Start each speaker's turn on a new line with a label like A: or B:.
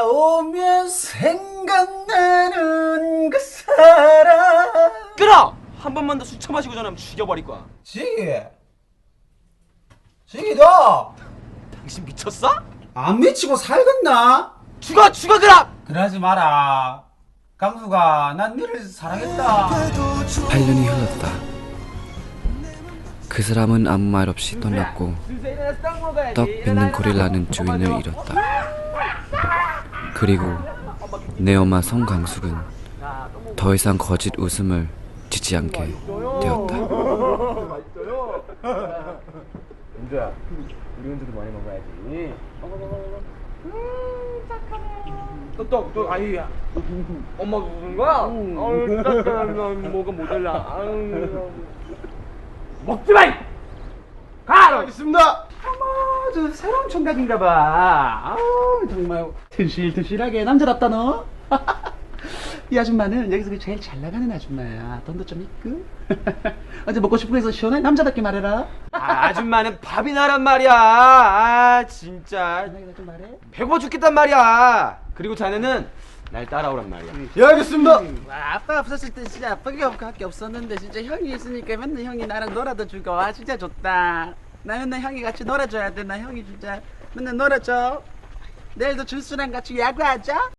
A: 오면 생각나는 그 사람.
B: 끊어! 한 번만 더 술 처마시고 전화하면 죽여버릴 거야.
A: 지기도
B: 당신 미쳤어?
A: 안 미치고 살겠나?
B: 죽어 그럼!
A: 그러지 마라. 강수가 난 너를 사랑했다.
C: 8년이 흘렀다. 그 사람은 아무 말 없이 떠났고 떡 빚는 고릴라는 주인을 잃었다. 그리고 내 엄마 송강숙은 더 이상 거짓 웃음을 짓지 않게 되었다.
B: 은주야, 우리 은주도 많이 먹어야지. 또, 아이, 엄마 무슨 거야? 아유, 딱딱한 뭐가 모자라. 아유, 먹지 마! 가!
A: 알겠습니다. 어머, 저 새로운 총각인가 봐. 아우, 정말 튼실튼실하게 남자답다 너. 이 아줌마는 여기서 제일 잘 나가는 아줌마야. 돈도 좀 있고. 어제 먹고 싶은 거 해서 시원하게 남자답게 말해라.
B: 아줌마는 밥이 나란 말이야. 아, 진짜.
A: 나이가 좀 말해.
B: 배고파 죽겠단 말이야. 그리고 자네는 날 따라오란 말이야.
A: 예, 알겠습니다.
D: 아빠 없었을 때 진짜 아빠가 없게 없었는데 진짜 형이 있으니까 맨날 형이 나랑 놀아도 주고 아 진짜 좋다. 나 맨날 형이 같이 놀아줘야 돼. 나 형이 진짜 맨날 놀아줘. 내일도 준수랑 같이 야구하자.